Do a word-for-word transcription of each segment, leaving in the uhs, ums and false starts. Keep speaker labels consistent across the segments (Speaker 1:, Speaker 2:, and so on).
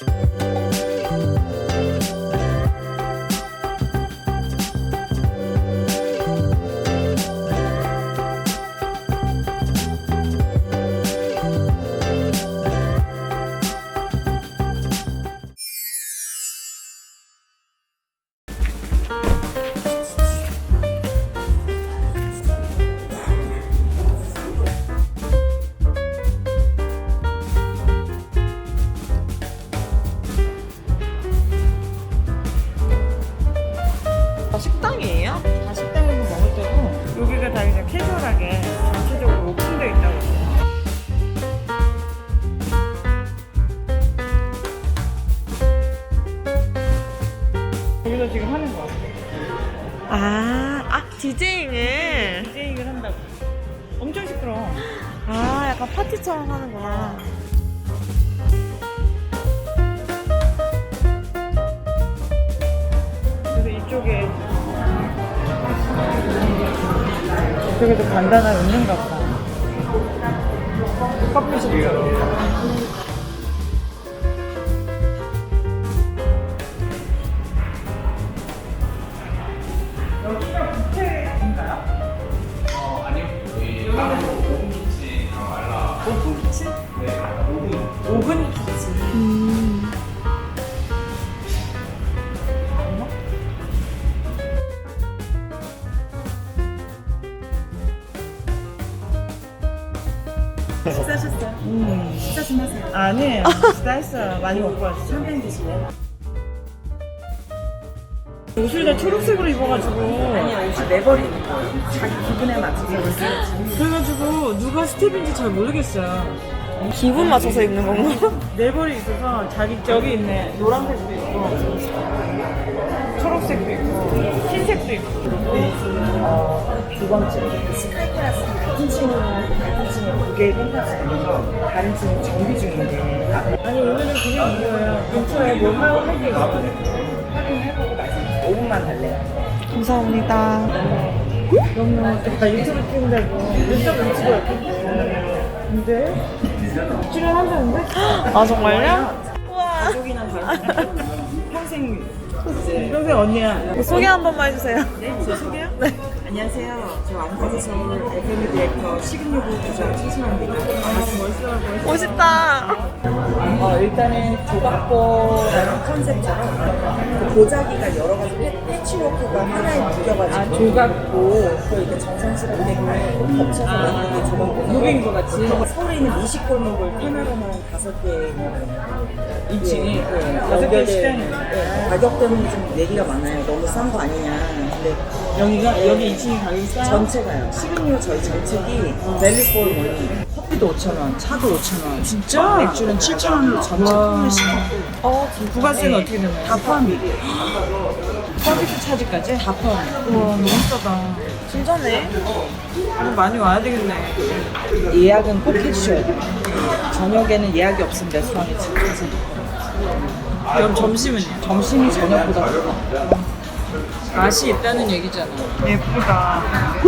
Speaker 1: 식당이에요?
Speaker 2: 다 식당에서 먹을 때고 여기가 다 그냥 캐주얼하게 전체적으로 오픈되어 있다고 있어요. 여기서 지금 하는 거 같아요.
Speaker 1: 아, 아 디제잉을.
Speaker 2: 디제잉을 한다고. 엄청 시끄러워.
Speaker 1: 아, 약간 파티처럼 하는구나.
Speaker 2: 그래서 이쪽에 이쪽에도 간단한 있는가 보다. 커피숍처럼. 여기가 뷔페인가요?
Speaker 3: 어, 아니요. 저희 다른 오븐 키친 말라.
Speaker 2: 오픈 키친?
Speaker 3: 네, 오븐.
Speaker 2: 오븐 키친.
Speaker 1: 음.
Speaker 2: 식사하셨어요?
Speaker 1: 음.
Speaker 2: 식사 좀 하세요. 아니에요. 식사했어요. 많이 먹고 왔어요. 샴페인 드실래요? 옷을 다 초록색으로 입어가지고.
Speaker 4: 아니야, 옷이 내버리는 거예요. 자기 기분에 맞춰서
Speaker 2: 그래가지고 누가 스텝인지 잘 모르겠어요.
Speaker 1: 기분 맞춰서 입는 건가?
Speaker 2: 내버리 있어서 자기 저기 있네. 노란색도 있고, 초록색도 있고, 흰색도 있고.
Speaker 4: 어, 두 번째 스카이클래스 같은 층이랑 같은 층에 두 개의 펜타스가 다른 층은 정비 중인데
Speaker 2: 아니 오늘은 그냥 이거예요. 근처에 뭐 하고 할 게 있어.
Speaker 4: 확인해보고 말씀 오 분만 달래요.
Speaker 1: 감사합니다.
Speaker 2: 너무 나 유튜브 찍는다고 유튜브 찍어요. 근데 출연한다는데?
Speaker 1: 아, 정말요? 우와.
Speaker 4: 가족이나 다른 평생 이제
Speaker 2: 평생 언니야.
Speaker 1: 소개 한 번만 해주세요.
Speaker 4: 네, 제 소개요? 네. 안녕하세요. 저 안타지 서울 에프엠 디렉터 시그니브 부장 최수환입니다. 반갑습니다.
Speaker 1: 멋있다.
Speaker 4: 어, 일단은 조각보라는 컨셉처럼 그 보자기가 여러 가지 패- 패치워크가 하나에 묶여가지고
Speaker 2: 아, 조각보.
Speaker 4: 또 이렇게 정성스럽게 겹쳐서 만든 게 조각보.
Speaker 2: 무빙도 같이.
Speaker 4: 서울에 있는 미식골목을 테마로만 다섯 개
Speaker 2: 이 층이
Speaker 4: 네,
Speaker 2: 다섯 개
Speaker 4: 연결돼-
Speaker 2: 식당이에요.
Speaker 4: 네, 가격 때문에 좀 얘기가 많아요. 너무 싼 거 아니냐. 근데
Speaker 2: 여기가 여기 이 층이 가격이 싸요?
Speaker 4: 전체가요. 시그니오 저희 전책이 밸류포 머니. 커피도 오천 원, 차도 오천 원.
Speaker 2: 진짜?
Speaker 4: 맥주는 칠천 원으로 전체 포함해서
Speaker 1: 어, 진짜.
Speaker 2: 부가세는 어떻게 되나요?
Speaker 4: 다 포함이에요.
Speaker 2: 서비스 차지까지?
Speaker 4: 다 포함.
Speaker 2: 우와 너무 싸다.
Speaker 1: 진짜네.
Speaker 2: 오늘 많이 와야 되겠네.
Speaker 4: 예약은 꼭 해주셔야 돼요. 저녁에는 예약이 없으면 레스토랑에 집에서
Speaker 2: 그럼 점심은요?
Speaker 4: 점심이 저녁보다 더
Speaker 2: 맛이 있다는 얘기잖아. 예쁘다.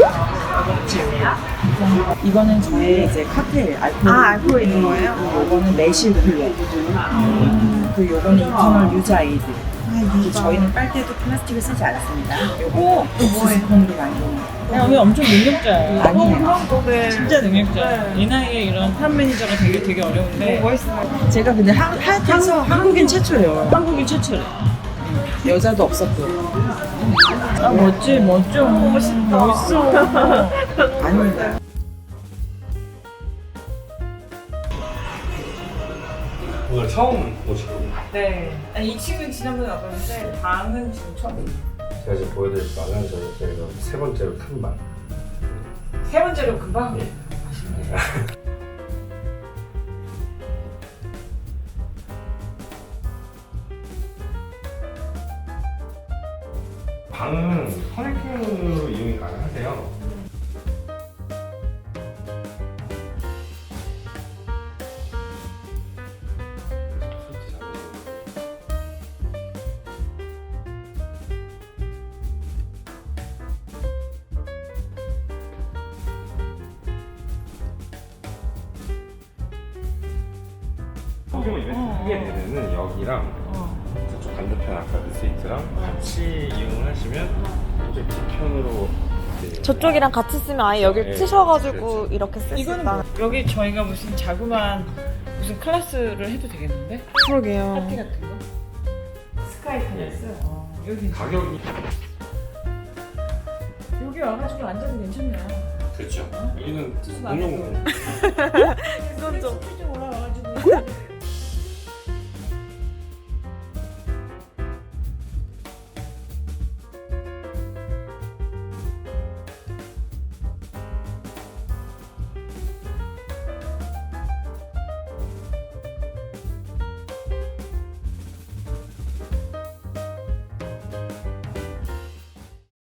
Speaker 4: 이거는 저의 이제 칵테일 알코올.
Speaker 1: 아, 알코올 있는 거예요?
Speaker 4: 요거는 매실 쿨러. 그 요거는 이터널 유자이드. 그 저희는 빨대도 플라스틱을 쓰지 않습니다. 요거 옥수수콘으로 만드는 거.
Speaker 2: 야, 오늘 엄청 능력자야.
Speaker 4: 아니에요.
Speaker 1: 네.
Speaker 2: 진짜 능력자야. 이 나이에 이런 탑 매니저가 되게 되게 어려운데.
Speaker 1: 멋있어요.
Speaker 4: 제가 근데 한, 하여튼 한국인 최초예요.
Speaker 2: 한국인 최초래.
Speaker 4: 여자도 없었고.
Speaker 2: 아 멋지 멋져. 멋있다. 멋있어.
Speaker 4: 아닙니다.
Speaker 3: 오늘 처음 오시거든요.
Speaker 2: 네. 아니 이 층은 지난번에 와봤는데 방은 지금 처음.
Speaker 3: 제가 지금 보여드릴 방은 저희 저희가 세 번째로 큰 방.
Speaker 2: 세 번째로 금방.
Speaker 3: 방은 커넥팅으로 이용이 가능하세요.
Speaker 5: 소규모 이벤트
Speaker 2: 어.
Speaker 5: 하게 되면은 여기랑
Speaker 2: 어.
Speaker 5: 저쪽 반대편 아까 그 스위트랑 같이 이용을 하시면 이제 뒤편으로 이제
Speaker 1: 저쪽이랑 같이 쓰면 아예 여길
Speaker 5: 네,
Speaker 1: 치셔가지고
Speaker 5: 그렇죠.
Speaker 1: 이렇게 쓸 수
Speaker 2: 이거는
Speaker 1: 있다.
Speaker 2: 뭐, 여기 저희가 무슨 자그마한 무슨 클래스를 해도 되겠는데?
Speaker 1: 그러게요.
Speaker 2: 파티 같은 거? 스카이 클래스? 어, 여기
Speaker 5: 가격이
Speaker 2: 여기 와가지고 앉아도 괜찮네요.
Speaker 5: 그렇죠. 여기는
Speaker 2: 무슨 안 해도.
Speaker 5: 공용
Speaker 1: 이건 좀
Speaker 2: 좀 올라와가지고